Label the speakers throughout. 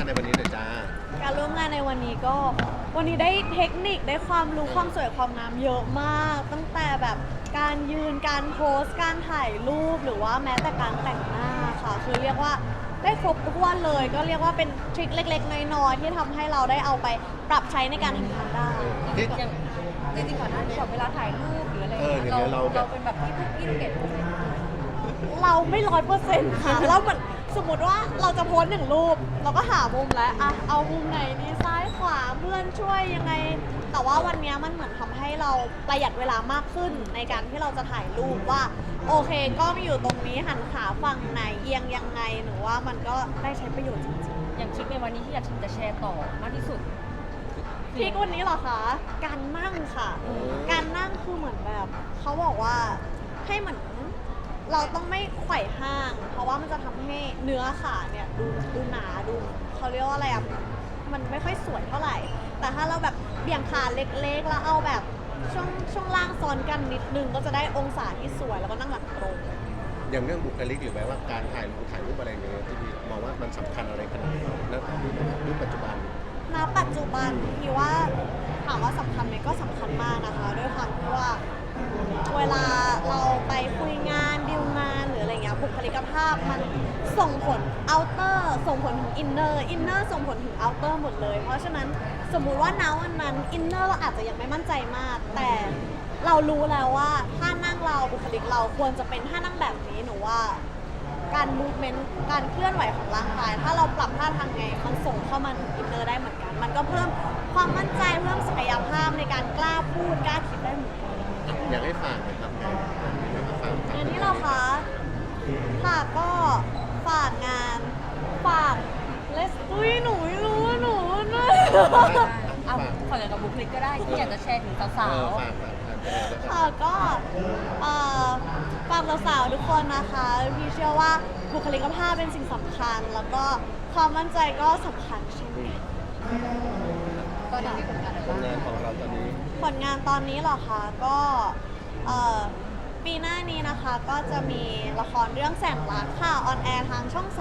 Speaker 1: ในวันนี้หน่อยจ้า
Speaker 2: การร่วมงานในวันนี้ก็วันนี้ได้เทคนิคได้ความรู้ความสวยความงามเยอะมากตั้งแต่แบบการยืนการโพสการถ่ายรูปหรือว่าแม้แต่การแต่งหน้าค่ะคือเรียกว่าได้ครบถ้วนเลยก็เรียกว่าเป็นทริคเล็กๆน้อยๆที่ทำให้เราได้เอาไปปรับใช้ในการทำงานได้
Speaker 3: อย่างจริงๆก่อนหน้านี้แบบเวลาถ่ายรูปหรืออะไรอย่างเงี้ยเราเป็นแบบที่พี่ลูกเกด
Speaker 2: เราไม่100%ค่ะแล้วเหมือนสมมติว่าเราจะโพส1 รูปเราก็หามุมแล้วอะเอามุมไหนดีซ้ายขวาเพื่อนช่วยยังไงแต่ว่าวันนี้มันเหมือนทำให้เราประหยัดเวลามากขึ้นในการที่เราจะถ่ายรูปว่าโอเคกล้องอยู่ตรงนี้หันขาฝั่งไหนเอียงยังไงหนูว่ามันก็ได้ใช้ประโยชน์จริงๆ
Speaker 3: อย่างทริปในวันนี้ที่อยากจะแชร์ต่อมากที่สุด
Speaker 2: พีควันนี้เหรอคะการนั่งค่ะการนั่งคือเหมือนแบบเขาบอกว่าให้เหมือนเราต้องไม่ไขว่ห้างเพราะว่ามันจะทำให้เนื้อขาเนี่ยดูหนาดูเขาเรียกว่าอะไรอ่ะมันไม่ค่อยสวยเท่าไหร่แต่ถ้าเราแบบเบี่ยงขาเล็กๆแล้วเอาแบบช่วงล่างซ้อนกันนิดนึงก็จะได้องศาที่สวยแล้วก็นั่งหลังตรง
Speaker 1: อย่างเรื่องบุคลิกหรือแม้ว่าการถ่ายรูปอะไรเงี้ยที่มองว่ามันสำคัญอะไรขนาดไหนแล้วรูปปัจจุบัน
Speaker 2: ณปัจจุบันพี่ว่าถามว่าสำคัญไหมก็สำคัญมากนะคะด้วยความที่ว่าเวลาเราไปคุยงานดีลงานหรืออะไรเงี้ยบุคลิกภาพมันส่งผลเอาเตอร์ส่งผลถึงอินเนอร์ส่งผลถึงเอาเตอร์หมดเลยเพราะฉะนั้นสมมุติว่าณวันนั้นอินเนอร์เราอาจจะยังไม่มั่นใจมากแต่เรารู้แล้วว่าท่านั่งเราบุคลิกเราควรจะเป็นท่านั่งแบบนี้หนูว่าการมูฟเมนต์การเคลื่อนไหวของร่างกายถ้าเราปรับท่าทางไงมันส่งเข้ามาถึงอินเนอร์ได้เหมือนกันมันก็เพิ่มความมั่นใจเพิ่มศักยภาพในการกล้าพูดกล้าคิดได้เหมือนกัน
Speaker 1: อยากให้ฝากหน่อยครับ
Speaker 2: อันนี้เราคะค่ะก็ฝากงานฝากเลสอุ้ยหนูไม่รู้หนูนะ
Speaker 3: เอาฝากเกี่ยวกับบุคลิกก็ได้ที่อยากจะแชร์ถึงสาวๆ
Speaker 2: ค่ะก็ฝากสาวๆทุกคนนะคะพี่เชื่อว่าบุคลิกภาพเป็นสิ่งสำคัญแล้วก็ความมั่นใจก็สำคัญใช่ไหม
Speaker 3: ตอนนี้มีผลงานอะไรบ้าง
Speaker 1: งานของเราตอนนี้
Speaker 2: ผลงานตอนนี้เหรอคะก็ปีหน้านี้นะคะก็จะมีละครเรื่องแสงรักค่ะออนแอร์ทางช่อง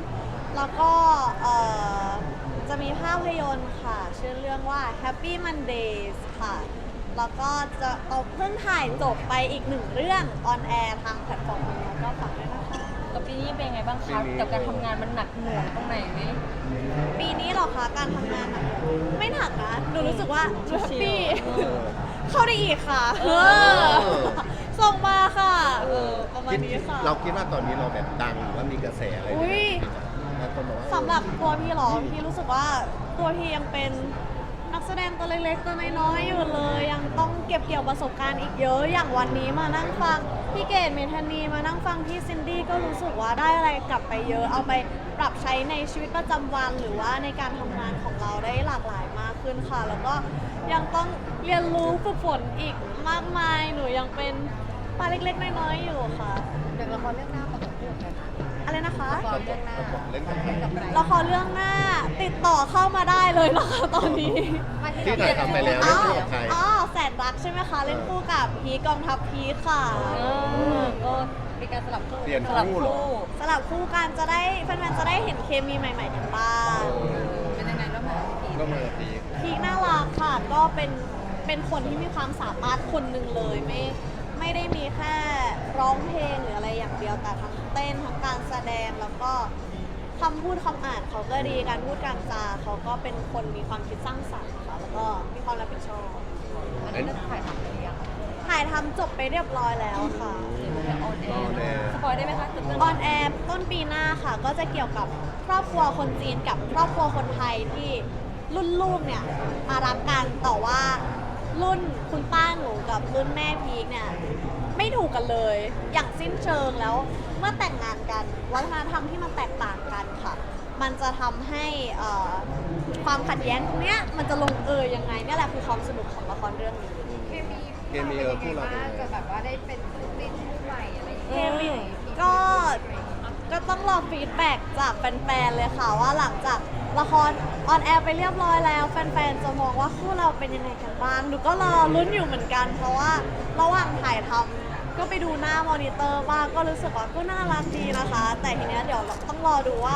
Speaker 2: 3แล้วก็จะมีภาพยนตร์ค่ะชื่อเรื่องว่า Happy Mondays ค่ะแล้วก็จะเอาเพิ่งถ่ายจบไปอีก1 เรื่องออนแอร์ทางแพลตฟอร์มนี้ก็ฝากด้วยนะคะ
Speaker 3: กับปีนี้เป็นไงบ้างคะกับการทำงานมันหนักหน่วงตรงไหนไหม
Speaker 2: ปีนี้เหรอคะการทำงานหนักไม่หนักนะหนูรู้สึกว่าแฮปปี้เข้าได้อีกค่ะส่งมาค่ะประมาณนี้ค่ะ
Speaker 1: เราคิดว่าตอนนี้เราแบบดังหรือว่ามีกระแสอะไร
Speaker 2: สำหรับตัวพี่หรอพี่รู้สึกว่าตัวพี่ยังเป็นนักแสดงตัวเล็กๆตัวน้อยๆอยู่เลยยังต้องเก็บเกี่ยวประสบการณ์อีกเยอะอย่างวันนี้มานั่งฟังพี่เกดเมธานีมานั่งฟังพี่ซินดี้ก็รู้สึกว่าได้อะไรกลับไปเยอะเอาไปปรับใช้ในชีวิตประจำวันหรือว่าในการทำงานของเราได้หลากหลายมากขึ้นค่ะแล้วก็ยังต้องเรียนรู้ฝึกฝนอีกมากมายหนูยังเป็นปลาเล็กๆน้อยๆอยู่ค่ะ
Speaker 3: อย่างละครเรื่องหน้าประกบคู่กัน
Speaker 2: อะไรนะคะ
Speaker 3: ละครเรื่องหน้า
Speaker 1: เล่น
Speaker 3: กับ
Speaker 2: ละครเรื่องหน้าติดต่อเข้ามาได้เลยนะคะตอนนี้
Speaker 1: ที่ถ่ายทำไปแล้วเล่นคู่กับใคร
Speaker 2: แสนรักใช่ไหมคะเล่นคู่กับพีกองทัพพีค่ะ
Speaker 3: ก็มีการสลับคู่
Speaker 2: สลับคู่กันจะได้แฟนๆจะได้เห็นเคมีใหม่ๆกันบ้าง
Speaker 3: เป็นยังไงแล้วมา
Speaker 2: พีน่ารักค่ะก็เป็นคนที่มีความสามารถคนหนึ่งเลยไม่ได้มีแค่ร้องเพลงหรืออะไรอย่างเดียวแต่ทั้งเต้นทั้งการแสดงแล้วก็คำพูดคำอ่านเขาก็ดีการพูดการจาเขาก็เป็นคนมีความคิดสร้างสรรค์ค่ะแล้วก็มีความรับผิดชอบ
Speaker 3: อันนี้ถ่ายทำไปหรือยัง
Speaker 2: ถ่ายทำจบไปเรียบร้อยแล้วค่ะ
Speaker 3: ออนแอร์สปอยได้ไหมคะ
Speaker 2: ออนแอร์ต้นปีหน้าค่ะก็จะเกี่ยวกับครอบครัวคนจีนกับครอบครัวคนไทยที่รุ่นลูกเนี่ยมารักกันแต่ว่ารุ่นคุณป้าหนูกับรุ่นแม่พีคเนี่ยไม่ถูกกันเลยอย่างสิ้นเชิงแล้วเมื่อแต่งงานกันวัฒนธรรมที่มันแตกต่างกันค่ะมันจะทำให้ความขัดแย้งตรงเนี้ยมันจะลงยังไงเนี่ยแหละคือความสนุกของละครเรื่องนี้
Speaker 1: เคมีคู่เรา
Speaker 3: จะแบบว่าได้เป็นคู่จิ้นคู่ใหม่อะไรอย่างเงี้ย
Speaker 2: เคมีก็ต้องรอฟีดแบ็กจากแฟนๆเลยค่ะว่าหลังจากละครออนแอร์ไปเรียบร้อยแล้วแฟนๆจะมองว่าคู่เราเป็นยังไงกันบ้างหนูก็รอลุ้นอยู่เหมือนกันเพราะว่าระหว่างถ่ายทำก็ไปดูหน้ามอนิเตอร์บ้างก็รู้สึกว่าก็น่ารักดีนะคะแต่ทีเนี้ยเดี๋ยวเราต้องรอดูว่า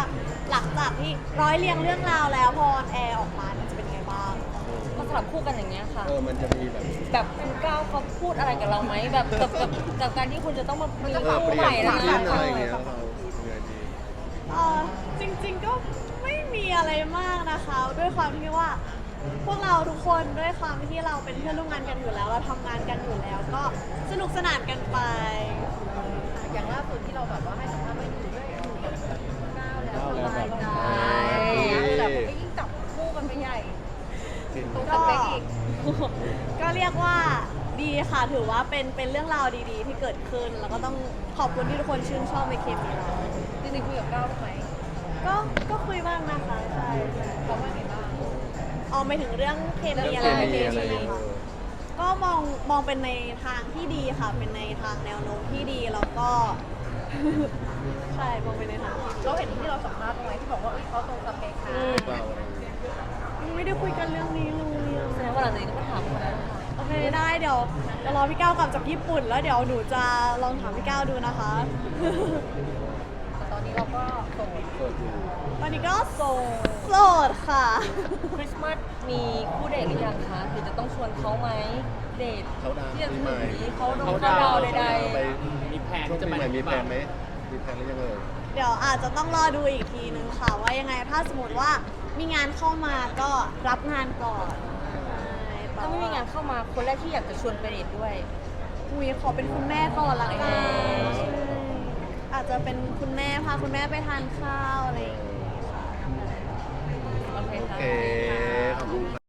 Speaker 2: หลังจากที่ร้อยเรียงเรื่องราวแล้วพอออนแอร์ออกมาเนี่ยจะเป็นไงบ้าง
Speaker 3: มาสลับคู่กันอย่างเงี้ยค่ะ
Speaker 1: มันจะมีแบบ
Speaker 3: แบบคุณก้าวเขาพูดอะไรกับเราไหมแบบกับการที่คุณจะต้องมามี
Speaker 1: เป
Speaker 3: คู่
Speaker 1: ลี่
Speaker 3: ให
Speaker 1: ย
Speaker 3: ม่
Speaker 1: น
Speaker 3: แล้ว
Speaker 1: ความ
Speaker 3: นะ
Speaker 1: คิดอะไรอย่างเงี้ยเรายังไงดี
Speaker 2: จริงๆก็ไม่มีอะไรมากนะคะ ด้วยความที่ว่า พวกเราทุกคนด้วยความที่เราเป็นเพื่อนร่วมงานกันอยู่แล้ว เราทำงานกันอยู่แล้ว ก็สนุกสนานกันไป
Speaker 3: อย่างล่าสุดที่เราแบบว่าให้สัมภาษณ์ว่าอยู่ด้วยอยู่กับก้าวแล้วสบายใจแต่ผมก็ยิ่งจับคู่กันไปใหญ่ ตรงสเปคอีก
Speaker 2: ก็เรียกว่าดีค่ะถือว่าเป็นเรื่องราวดีๆ ที่เกิดขึ้น แล้วก็ต้องขอบคุณที่ทุกคนชื่นชอบในเคมีเรา
Speaker 3: จริงๆคุยกับก้าวได้ไหม
Speaker 2: ก็คุยบ้างนะคะใช่
Speaker 3: เขาว่าไงบ้าง
Speaker 2: ไม่ถึงเรื่องเคมี
Speaker 1: เรื่
Speaker 2: อะ
Speaker 1: อง
Speaker 2: ไร
Speaker 1: เคมีอะไร
Speaker 2: ใช่ไหม
Speaker 1: อย่างเงี้ย
Speaker 2: คะก็มองเป็นในทางที่ดีค่ะ เป็นในทางแนวโน้มที่ดีแล้วก็ ใช่มองเป็นในทางที่ดี
Speaker 3: เราเห็นที่เราสัมภาษณ์ตรงไหนที่บอกว่าเขาตรงสเปคนะ
Speaker 1: เราอะไรอย่างเงี้ย
Speaker 2: ไม่ได้คุยกันเรื่องนี้เลยอะ
Speaker 3: แสดงว่าหลังจากนี้ก็ถามคนนั้นค่ะ
Speaker 2: โอเคได้เดี๋ยวรอพี่ก้าวกลับจากญี่ปุ่น แล้วเดี๋ยวหนูจะลองถามพี่ก้าวดูนะคะ
Speaker 3: แต่ตอนนี้เราก็โสด
Speaker 1: เปิดอยู่
Speaker 2: ตอนนี้ก็โสดค่ะ
Speaker 3: คริสต์มาสมีคู่เดทหรือยังคะหรือจะต้องชวนเขาไหมเดท
Speaker 1: เขาดาว
Speaker 3: ที่จะ
Speaker 1: ปี
Speaker 3: ถึง
Speaker 1: ใหม่
Speaker 3: นี้เขาดงเขาดาวน์ใด
Speaker 1: ไป
Speaker 4: มีแผน
Speaker 1: ช่วง
Speaker 4: จะ
Speaker 1: ปี
Speaker 4: ไป
Speaker 1: ใหม่มีแผน
Speaker 4: ไห
Speaker 1: ไหมมีแผนหรือยังเอ่ย
Speaker 2: เดี๋ยวอาจจะต้องรอดูอีกทีนึงค่ะ ว่ายังไงถ้าสมมติว่ามีงานเข้ามาก็รับงานก่อนใช่
Speaker 3: ๆถ้าไม่มีงานเข้ามาคนแรกที่อยากจะชวนไปเดทด้วย
Speaker 2: อุ้ยขอเป็นคุณแม่ก่อนละกัน
Speaker 3: โอเค
Speaker 2: ใช่อาจจะเป็นคุณแม่พาคุณแม่ไปทานข้าวอะไรอย่างเงี้ยค่ะ
Speaker 3: โอเค
Speaker 1: โอ
Speaker 3: ค่ะ
Speaker 1: เค ขอบคุณ